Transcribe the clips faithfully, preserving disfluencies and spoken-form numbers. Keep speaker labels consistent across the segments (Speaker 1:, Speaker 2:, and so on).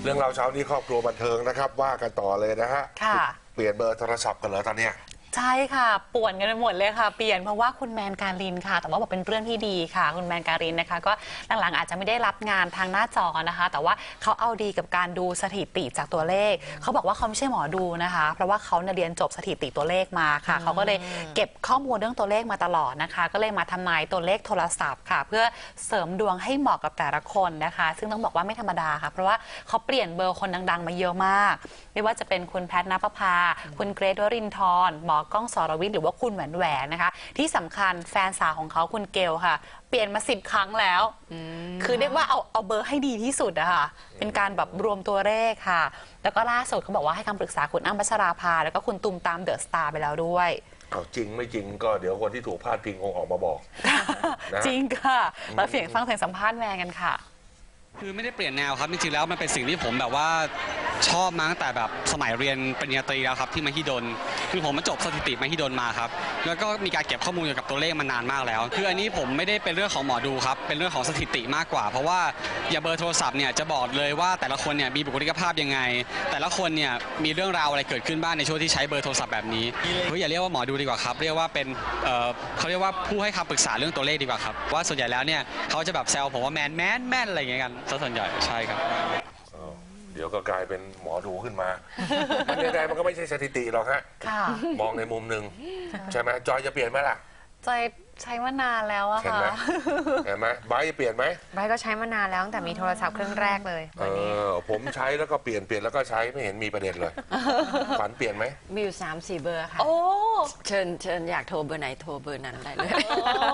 Speaker 1: รื่องเราเช้านี้ครอบครัวบันเทิงนะครับว่ากันต่อเลยนะฮะเปลี่ยนเบอร์โทรศัพท์กันเหรอตอนเนี้ย
Speaker 2: ใช่ค่ะป่วนกันไปหมดเลยค่ะเปลี่ยนเพราะว่าคุณแมนการินค่ะแต่ว่าบอกเป็นเรื่องที่ดีค่ะคุณแมนการินนะคะก็หลังๆอาจจะไม่ได้รับงานทางหน้าจอนะคะแต่ว่าเขาเอาดีกับการดูสถิติจากตัวเลขเขาบอกว่าเขาไม่ใช่หมอดูนะคะเพราะว่าเขาเรียนจบสถิติตัวเลขมาค่ะเขาก็เลยเก็บข้อมูลเรื่องตัวเลขมาตลอดนะคะก็เลยมาทำนายตัวเลขโทรศัพท์ค่ะเพื่อเสริมดวงให้เหมาะกับแต่ละคนนะคะซึ่งต้องบอกว่าไม่ธรรมดาค่ะเพราะว่าเขาเปลี่ยนเบอร์คนดังๆมาเยอะมากไม่ว่าจะเป็นคุณแพทณปภาคุณเกรทวรินทร์หมอกล้องสรวิทย์หรือว่าคุณแหวนแหวนนะคะที่สำคัญแฟนสาวของเขาคุณเกลค่ะเปลี่ยนมาสิบครั้งแล้วคือเรียกว่าเอาเอาเบอร์ให้ดีที่สุดอะค่ะเป็นการแบบรวมตัวเลขค่ะแล้วก็ล่าสุดเขาบอกว่าให้คำปรึกษาคุณอ้ำพัชราภาแล้วก็คุณตุมตามเดอะสตาร์ไปแล้วด้วย
Speaker 1: เอาจริงไม่จริงก็เดี๋ยวคนที่ถูกพาดพิงคงออกมาบอก
Speaker 2: จริงค่ะเราเสียงฟังเสียงสัมภาษณ์แมนกันค่ะ
Speaker 3: คือไม่ได้เปลี่ยนแนวครับจริงๆแล้วมันเป็นสิ่งที่ผมแบบว่าชอบมาตั้งแต่แบบสมัยเรียนปริญญาตรีแล้วครับที่มหิดลคือผมมาจบสถิติมหิดลมาครับแล้วก็มีการเก็บข้อมูลเกี่ยวกับตัวเลขมานานมากแล้วคืออันนี้ผมไม่ได้เป็นเรื่องของหมอดูครับเป็นเรื่องของสถิติมากกว่าเพราะว่าอย่าเบอร์โทรศัพท์เนี่ยจะบอกเลยว่าแต่ละคนเนี่ยมีบุคลิกภาพยังไงแต่ละคนเนี่ยมีเรื่องราวอะไรเกิดขึ้นบ้างในช่วงที่ใช้เบอร์โทรศัพท์แบบนี้เฮ้ยอย่าเรียกว่าหมอดูดีกว่าครับเรียกว่าเป็นเอ่อเขาเรียกว่าผู้ให้คำปรึกษาเรื่องตัวเลขดีกว่าครับว่าส่วนใหญ่แล้วเนี่ยเขาจะแบบแซวผมว่าแมนแมนแมนอะไรอย่างเงี้ยกันส่วนใหญ่ใช่ครับ
Speaker 1: เดี๋ยวก็กลายเป็นหมอดูขึ้นมามันยังไงมันก็ไม่ใช่สถิติหรอกฮะมองในมุมหนึ่งใช่ไหมจอยจะเปลี่ยนไหมล่ะ
Speaker 2: จอยใช้มานานแล้วอะค่ะ
Speaker 1: เห็นไหมไบร์ทจะเปลี่ยนไหม
Speaker 4: ไบร์ทก็ใช้มานานแล้วตั้งแต่มีโทรศัพท์เครื่องแรกเลย
Speaker 1: เออผมใช้แล้วก็เปลี่ยนเปลี่ยนแล้วก็ใช้ไม่เห็นมีประเด็นเลยฝันเปลี่ยนไหม
Speaker 4: มีอยู่สามสี่เบอร์ค่ะ
Speaker 2: โอ้
Speaker 4: เชิญเชิญอยากโทรเบอร์ไหนโทรเบอร์นั้นได้เลย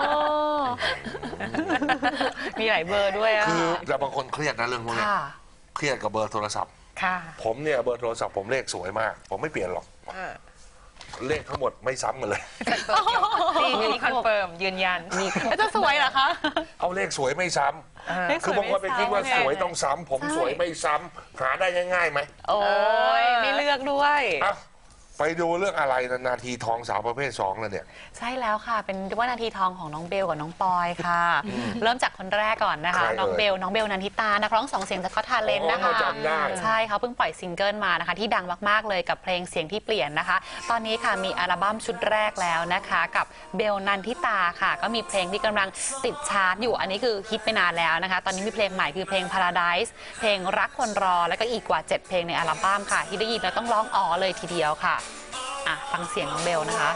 Speaker 2: มีหลายเบอร์ด้วยอะ
Speaker 1: คือแต่บางคนเครียดนะเรื่องพวกนี้เครียดกับเบอร์โทรศัพท์ผมเนี่ยเบอร์โทรศัพท์ผมเลขสวยมากผมไม่เปลี่ยนหรอกเลขทั้งหมดไม่ซ้ำกันเลย
Speaker 4: มีคอนเฟิร์มยืนยันมี
Speaker 2: จะสวยเหรอคะ
Speaker 1: เอาเลขสวยไม่ซ้ำคือบางคนไปคิดว่าสวยต้องซ้ำผมสวยไม่ซ้ำหาได้ง่ายๆไหม
Speaker 2: โอ้ยไม่เลือกด้วย
Speaker 1: ไปดูเรื่องอะไรนาทีทองสาวประเภทสองแล้วเนี่ย
Speaker 2: ใช่แล้วค่ะเป็นว่านาทีทองของน้องเบลกับน้องปอยค่ะเริ่มจากคนแรกก่อนนะคะน้องเบลน้องเบลนันทิตานักร้องสองเสียงจากก็ทาเลนต์นะคะใช่เขาเพิ่งปล่อยซิงเกิลมานะคะที่ดังมากๆเลยกับเพลงเสียงที่เปลี่ยนนะคะตอนนี้ค่ะมีอัลบั้มชุดแรกแล้วนะคะกับเบลนันทิตาค่ะก็มีเพลงที่กำลังติดชาร์ตอยู่อันนี้คือฮิตไปนานแล้วนะคะตอนนี้มีเพลงใหม่คือเพลง Paradise เพลงรักคนรอแล้วก็อีกกว่าเจ็ดเพลงในอัลบั้มค่ะที่ได้ยินแล้วต้องร้องอ๋อเลยทีเดียวค่ะฟังเสียงน้องเบลนะคะ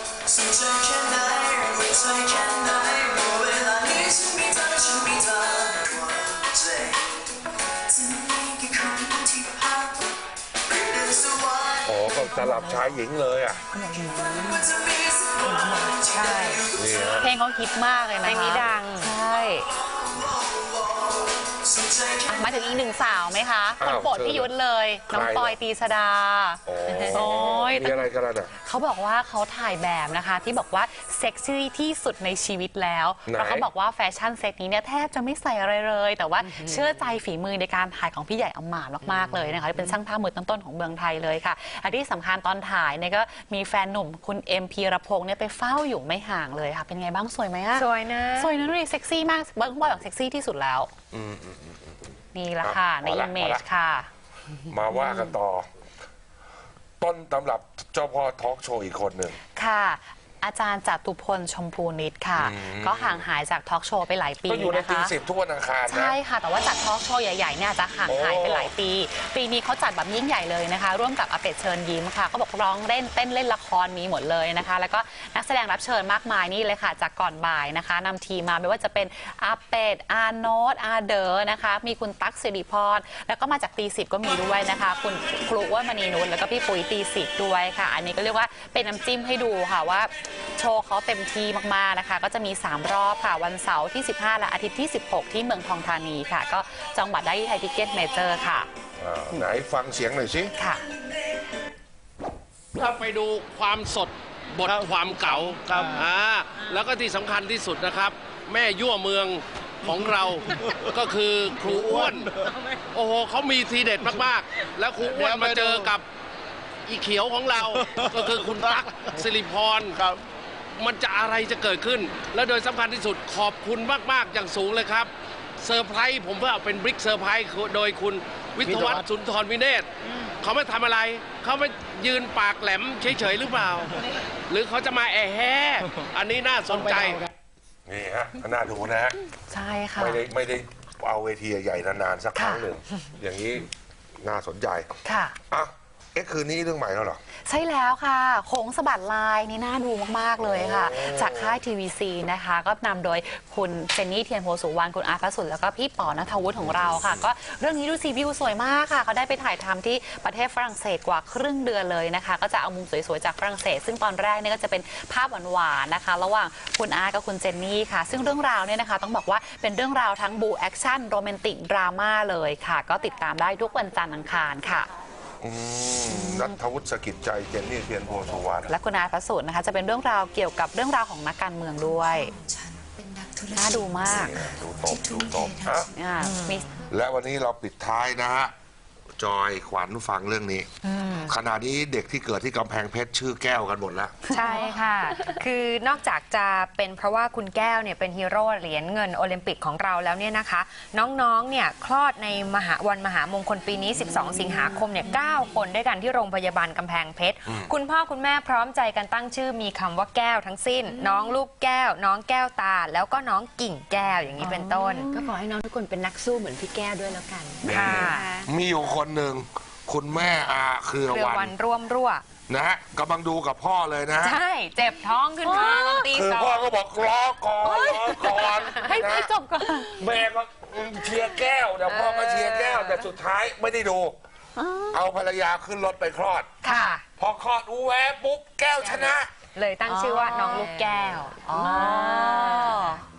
Speaker 1: โอ้ก็สลับชายหญิงเลยอ่ะ
Speaker 2: ใช่เพลงเขาฮิตมากเลยนะเพลงนี้ดังใช่มาถึงอีกหนึ่งสาวไหมคะคนโปรดพี่ยุทธเลยน้องปอยตีสดา
Speaker 1: โอ้ยมีอะไรกันล่ะ
Speaker 2: เขาบอกว่าเขาถ่ายแบบนะคะที่บอกว่าเซ็กซี่ที่สุดในชีวิตแล้วแล้วเขาบอกว่าแฟชั่นเซ็ตนี้เนี่ยแทบจะไม่ใส่อะไรเลยแต่ว่าเชื่อใจฝีมือในการถ่ายของพี่ใหญ่อำมาตย์มากๆเลยนะคะเป็นช่างภาพมือต้นๆของเมืองไทยเลยค่ะอันที่สำคัญตอนถ่ายเนี่ยก็มีแฟนหนุ่มคุณเอ็มพีรพงษ์เนี่ยไปเฝ้าอยู่ไม่ห่างเลยค่ะเป็นไงบ้างสวยไหมอะ
Speaker 4: สวยนะ
Speaker 2: สวยนะดูดิเซ็กซี่มากเบิร์กบอยบอกเซ็กซี่ที่สุดแล้วนี่ละค่ะในอิมเมจค่ะ
Speaker 1: มาว่ากันต่อต้นตำรับเจ้าพ่อทอล์กโชว์อีกคนหนึ่ง
Speaker 2: ค่ะอาจารย์จตุพลชมพูนิตค่ะก็ห่างหายจากทอล์กโชว์ไปหลายปีนะคะก็
Speaker 1: อยู่ในตีสิบทุกวันอังคาร
Speaker 2: ใช่ค่ะแต่ว่าจัดทอล์กโชว์ใหญ่ๆเนี่ยจะห่างหายไปหลายปีปีนี้เขาจัดแบบยิ่งใหญ่เลยนะคะร่วมกับอาเป็ดเชิญยิ้มค่ะก็บอกร้องเล่นเต้นเล่นละครมีหมดเลยนะคะแล้วก็นักแสดงรับเชิญมากมายนี่เลยค่ะจากก่อนบ่ายนะคะนำทีมมาไม่ว่าจะเป็นอาเป็ดอาโนตอาเดอนะคะมีคุณตั๊กสิริพรแล้วก็มาจากตีสิบก็มีด้วยนะคะคุณครูว่ามณีนุชแล้วก็พี่ปุ๋ยตีสิบด้วยค่ะอันนี้ก็เรียกว่าเป็นน้ำจิ้มให้ดูค่ะว่าโชว์เขาเต็มที่มากๆนะคะก็จะมีสามรอบค่ะวันเสาร์ที่สิบห้าและอาทิตย์ที่สิบหกที่เมืองทองธานีค่ะก็จองบัตรได้ที่ไทยทิเก็ตเมเจอร์ค่ะ
Speaker 1: ไหนฟังเสียงหน่อยสิ
Speaker 2: ค่ะ
Speaker 5: ถ้าไปดูความสดบทความเก่าครับอ่าแล้วก็ที่สำคัญที่สุดนะครับแม่ยั่วเมืองของเราก็คือครูอ้วนโอ้โหเขามีทีเด็ดมากๆแล้วครูอ้วนมาเจอกับอีเขียวของเราก็คือคุณตั๊กสิริพรมันจะอะไรจะเกิดขึ้นและโดยสำคัญที่สุดขอบคุณมากๆอย่างสูงเลยครับเซอร์ไพรส์ผมว่าเป็นบิ๊กเซอร์ไพรส์โดยคุณวิทยาวัฒน์สุนทรวิเนศเขาไม่ทำอะไร เขาไม่ยืนปากแหลมเฉยๆหรือเปล่า หรือเขาจะมาแอะแห่อันนี้น่าสนใจ
Speaker 1: นี่ฮะน่าดูนะฮะ
Speaker 2: ใช่ค่ะ
Speaker 1: ไม่ได้ไม่ได้เอาเวทีใหญ่ๆนานๆสักครั้ง
Speaker 2: ค่ะ
Speaker 1: หนึ่งอย่างนี้น่าสนใจ
Speaker 2: ค่ะ
Speaker 1: อ่ะเอ๊ะคืนนี้เรื่องใหม่แล้วเหรอ
Speaker 2: ใช่แล้วค่ะโค้งสะบัดลายนี่น่าดูมากๆเลยค่ะ
Speaker 1: โอ้
Speaker 2: จากค่ายทีวีซีนะคะ ก็นำโดยคุณเจนนี่เทียนโพสุวรรณคุณอาร์ตพระสุดแล้วก็พี่ป๋อณัฐวุฒิของเราค่ะ ก็เรื่องนี้ดูซีวิวสวยมากค่ะเขาได้ไปถ่ายทำที่ประเทศฝรั่งเศสกว่าครึ่งเดือนเลยนะคะ ก็จะเอามุมสวยๆจากฝรั่งเศส ซึ่งตอนแรกเนี่ยก็จะเป็นภาพหวานๆนะคะ ระหว่างคุณอาร์ตกับคุณเจนนี่ค่ะ ซึ่งเรื่องราวเนี่ยนะคะต้องบอกว่าเป็นเรื่องราวทั้งบูแอคชั่นโรแมนติกดราม่าเลยค่ะ ก็ติดตามได้ทุกวันจันทร์อังคารค่ะ
Speaker 1: อืมนัทวุฒิสกิจใจเจนนี่เทียนโพสุวรรณ
Speaker 2: และคุณอาร์ตพระสุดนะคะจะเป็นเรื่องราวเกี่ยวกับเรื่องราวของนักการเมืองด้วยน่าดูมาก
Speaker 1: นี่ดูตบดูตบอ่ะ
Speaker 2: อ่ามี
Speaker 1: และวันนี้เราปิดท้ายนะฮะจอยขวัญฟังเรื่องนี้ขณะนี้เด็กที่เกิดที่กำแพงเพชรชื่อแก้วกันหมดแล้ว
Speaker 4: ใช่ค่ะ คือนอกจากจะเป็นเพราะว่าคุณแก้วเนี่ยเป็นฮีโร่เหรียญเงินโอลิมปิกของเราแล้วเนี่ยนะคะ น้องๆเนี่ยคลอดในมหาวันมหามงคลปีนี้ สิบสอง สิงหาคมเนี่ยเก้าคนด้วยกันที่โรงพยาบาลกำแพงเพชร คุณพ่อคุณแม่พร้อมใจกันตั้งชื่อมีคำว่าแก้วทั้งสิ้น น้องลูกแก้ว น้องแก้วตา แล้วก็น้องกิ่งแก้วอย่างนี้เป็นต้น
Speaker 6: ก็ขอให้น้องทุกคนเป็นนักสู้เหมือนพี่แก้วด้วยแล้วกัน
Speaker 4: ค่ะ
Speaker 1: มีอยู่คนหนึ่งคุณแม่อาเครือ
Speaker 4: เครือ
Speaker 1: วั
Speaker 4: วัน นร่วมรั่ว
Speaker 1: นะฮะกำลังดูกับพ่อเลยนะฮะ
Speaker 4: ใช่ เจ็บท้องขึ้นมาตอนตี
Speaker 1: คือ
Speaker 4: สอ
Speaker 1: พ่อง ก็บอกรอก่อนรอก่อน
Speaker 2: ให้
Speaker 1: นะ
Speaker 2: ให้จบก่อน
Speaker 1: แม่ก็เชียร์แก้วแต่พ่อก็เชียร์แก้วแต่สุดท้ายไม่ได้ดู เอาภรรยาขึ้นรถไปคลอด
Speaker 4: ค่ะ
Speaker 1: พอคลอดอูแวะปุ๊บแก้วชนะ
Speaker 4: เลยตั้งชื่อว่าน้องลูกแก้ว
Speaker 2: อ๋อ